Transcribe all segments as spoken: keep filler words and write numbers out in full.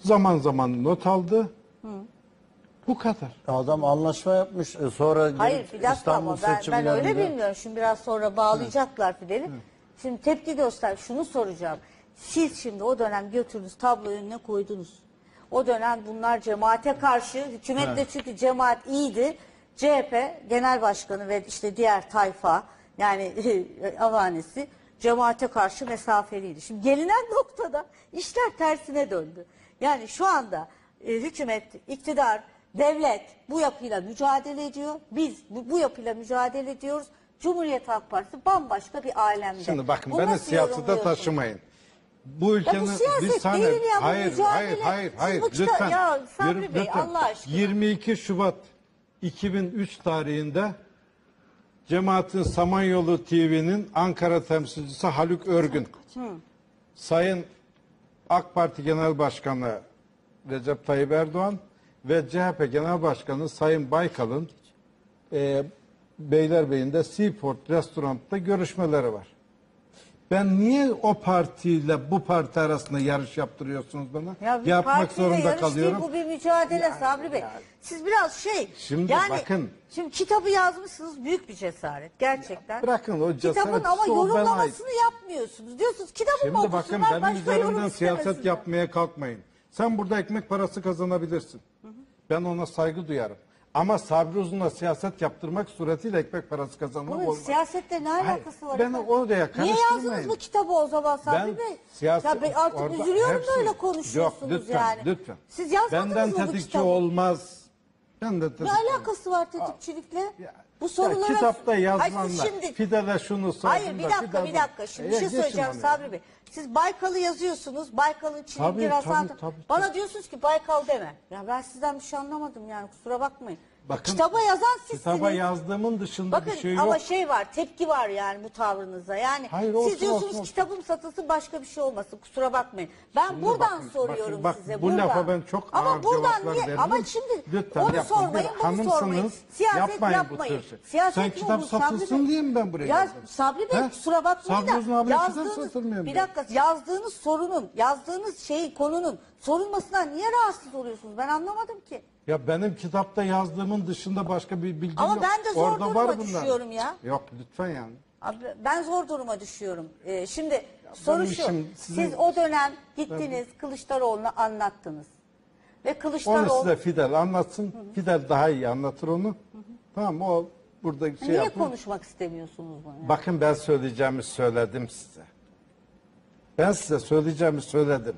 Zaman zaman not aldı. Hı. Bu kadar. Adam anlaşma yapmış. E, sonra Hayır bir dakika İstanbul ama ben, ben öyle seçimlerinde- bilmiyorum. Şimdi biraz sonra bağlayacaklar Fidel'i. Şimdi tepki göster. Şunu soracağım. Siz şimdi o dönem götürdünüz, tablo önüne koydunuz. O dönem bunlar cemaate karşı, hükümetle çünkü cemaat iyiydi. C H P Genel Başkanı ve işte diğer tayfa yani avanesi cemaate karşı mesafeliydi. Şimdi gelinen noktada işler tersine döndü. Yani şu anda e, hükümet, iktidar, devlet bu yapıyla mücadele ediyor. Biz bu, bu yapıyla mücadele ediyoruz. Cumhuriyet Halk Partisi bambaşka bir alemde. Şimdi bakın Bunu beni nasıl siyasete yorumluyorsunuz? taşımayın. Bu ülkenin bu siyaset bir saniye değil ya, bu hayır, mücadele. hayır hayır Siz hayır bu kita- lütfen. ya Sabri Yürü- Bey, lütfen. Allah aşkına. yirmi iki Şubat iki bin üç tarihinde Cemaatin Samanyolu T V'nin Ankara temsilcisi Haluk Örgün, Hı. Sayın AK Parti Genel Başkanı Recep Tayyip Erdoğan ve C H P Genel Başkanı Sayın Baykal'ın e, Beylerbeyi'nde Seaport Restoran'da görüşmeleri var. Ben niye o partiyle bu parti arasında yarış yaptırıyorsunuz bana? Ya bir Yapmak partiyle zorunda yarış kalıyorum. Değil, bu bir mücadele Sabri Bey. Siz biraz şey. Şimdi yani, bakın. Şimdi kitabı yazmışsınız, büyük bir cesaret gerçekten. Ya bırakın o cesaret. Kitabın ama o bana yorumlamasını ait. yapmıyorsunuz. Diyorsunuz kitabın Şimdi mı bakın okusunlar, benim başka üzerimden yorum siyaset istemesinler. yapmaya kalkmayın. Sen burada ekmek parası kazanabilirsin. Hı hı. Ben ona saygı duyarım. Ama Sabri Uzun'la siyaset yaptırmak suretiyle ekmek parası kazanmak Bunun olmaz. siyasetle ne alakası var? Beni efendim? oraya Niye karıştırmayın. yazdınız bu kitabı o zaman Sabri Ben Bey? siyaset- Ya ben artık orada üzülüyorum hepsi- böyle Yok konuşuyorsunuz lütfen, yani. lütfen. Siz yazmadınız Benden mı bu tetikçi kitabı? olmaz. Ben de tetikçi Ne alakası var tetikçilikle? Ya- Bu sorulara... Ya kitapta Hayır, yazılanlar. siz şimdi... Fidel'e şunu sordum Hayır bir da, dakika Fidel'e- bir dakika. Şimdi E, bir şey geçin söyleyeceğim onu. Sabri Bey. Siz Baykal'ı yazıyorsunuz. Baykal'ın çilingir Tabii, Hasan. tabii, tabii, Bana tabii. diyorsunuz ki Baykal deme. Ya ben sizden bir şey anlamadım yani kusura bakmayın. Bakın, Kitaba yazan sizsiniz. Kitaba yazdığımın dışında Bakın bir şey yok. ama şey var, tepki var yani bu tavrınıza. Yani Hayır, olsun, siz diyorsunuz olsun, olsun. kitabım satılsın başka bir şey olmasın. Kusura bakmayın. Ben Şimdi buradan bakın, soruyorum bakın, bak, size. bu buradan. lafa ben çok ama ağır buradan cevaplar niye? veririm. Ama şimdi Lütfen onu yapmayın. sormayın, Bir bunu hanımsınız, sormayın. Siyaset yapmayın bu yapmayın. tür şey. Siyaset Sen mi kitap olur Sabri satılsın Bey? diye mi ben buraya Ya geldim? Sabri Bey He? kusura bakmayın Sabri Uzun abiyle da kitap satılmıyor bir diyor. dakika yazdığınız sorunun, yazdığınız şeyin konunun sorulmasından niye rahatsız oluyorsunuz? Ben anlamadım ki. Ya benim kitapta yazdığımın dışında başka bir bilgim Ama yok. ben de zor Orada duruma var bunlar. düşüyorum ya. Yok lütfen yani. Abi ben zor duruma düşüyorum. Ee, şimdi soru benim şu. işim sizin- Siz o dönem gittiniz Kılıçdaroğlu'na anlattınız. Ve Onu Kılıçdaroğlu size Fidel anlatsın. Hı hı. Fidel daha iyi anlatır onu. Hı hı. Tamam o burada şey niye yapın. konuşmak istemiyorsunuz bunu? Yani? Bakın ben söyleyeceğimi söyledim size. Ben size söyleyeceğimi söyledim.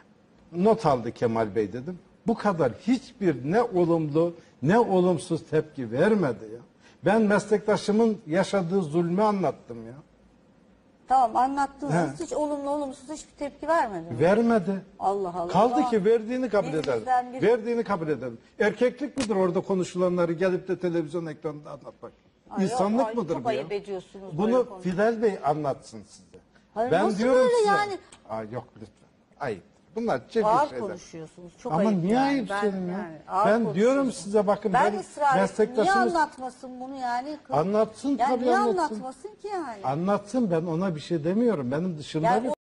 Not aldı Kemal Bey dedim. Bu kadar hiçbir ne olumlu ne olumsuz tepki vermedi ya. Ben meslektaşımın yaşadığı zulmü anlattım ya. Tamam anlattınız. He. Hiç olumlu olumsuz hiçbir tepki vermedi mi? Vermedi. Allah Allah. Kaldı Ama ki verdiğini kabul bir edelim. bizden bir- Verdiğini kabul edelim. Erkeklik midir orada konuşulanları gelip de televizyon ekranında anlatmak? Ay, İnsanlık ay, mıdır çok bu ya? ayıp ediyorsunuz Bunu böyle konuş- Fidel Bey anlatsın size. Hayır, ben nasıl diyorum böyle size. yani? Aa, yok lütfen. Ayıp. Bunlar çirkin Ağır şeyler. konuşuyorsunuz. Çok Ama ayıp niye yani. ayıp Ben- senin ya? yani ağır Ben diyorum konuşuyorsunuz. size bakın Ben ben ısrar ettim. Niye meslektaşımız anlatmasın bunu yani? Anlatsın yani tabii niye anlatsın. anlatmasın ki yani? anlatsın ben ona bir şey demiyorum. Benim dışımda Yani bir